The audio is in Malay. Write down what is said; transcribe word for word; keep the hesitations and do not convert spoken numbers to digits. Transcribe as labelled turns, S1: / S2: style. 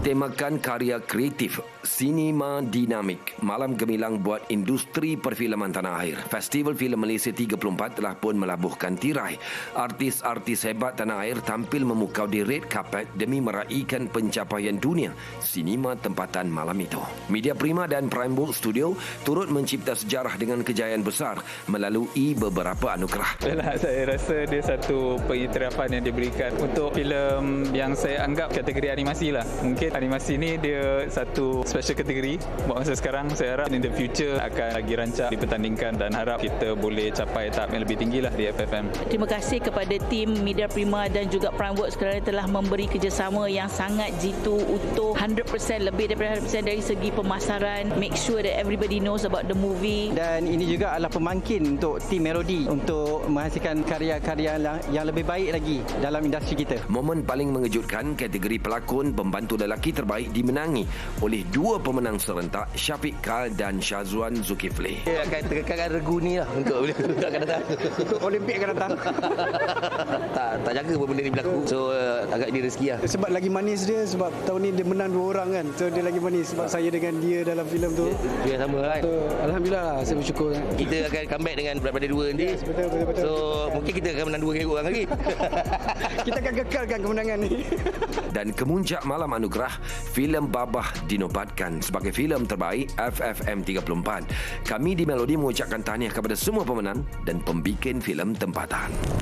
S1: Bertemakan karya kreatif, sinema dinamik, malam gemilang buat industri perfilman tanah air. Festival Filem Malaysia tiga puluh empat telah pun melabuhkan tirai. Artis-artis hebat tanah air tampil memukau di red carpet demi meraihkan pencapaian dunia sinema tempatan malam itu. Media Prima dan Prime Book Studio turut mencipta sejarah dengan kejayaan besar melalui beberapa anugerah.
S2: Yalah, saya rasa dia satu pengiktirafan yang diberikan untuk filem yang saya anggap kategori animasi lah. Mungkin animasi ni dia satu special kategori. Buat masa sekarang, saya harap in the future akan lagi rancak dipertandingkan dan harap kita boleh capai tahap yang lebih tinggi lah di F F M.
S3: Terima kasih kepada tim Media Prima dan juga Primeworks kerana telah memberi kerjasama yang sangat jitu, utuh, one hundred percent lebih daripada one hundred percent dari segi pemasaran. Make sure that everybody knows about the movie.
S4: Dan ini juga adalah pemangkin untuk tim Melody untuk menghasilkan karya-karya yang lebih baik lagi dalam industri kita.
S1: Momen paling mengejutkan, kategori pelakon pembantu lelaki terbaik dimenangi oleh dua pemenang serentak, Syafiq Kal dan Syazwan Zulkifli.
S5: Dia akan tekankan regu ni lah untuk untuk akan datang.
S4: Untuk Olimpik akan datang.
S5: tak tak jaga pun benda ni berlaku. So uh, agak dia rezeki lah.
S6: Sebab lagi manis dia, sebab tahun ni dia menang dua orang kan. So dia lagi manis sebab saya dengan dia dalam filem tu.
S5: Dia sama kan.
S6: So, Alhamdulillah lah, saya bersyukur.
S5: Kita akan comeback dengan daripada dua nanti.
S6: Yes, betul, betul, betul.
S5: So mungkin kita akan menang dua orang lagi.
S6: Kita akan kekalkan kemenangan ni.
S1: Dan kemuncak malam anugerah, filem Babah dinobatkan sebagai filem terbaik F F M tiga puluh empat. Kami di Melody mengucapkan tahniah kepada semua pemenang dan pembikin filem tempatan.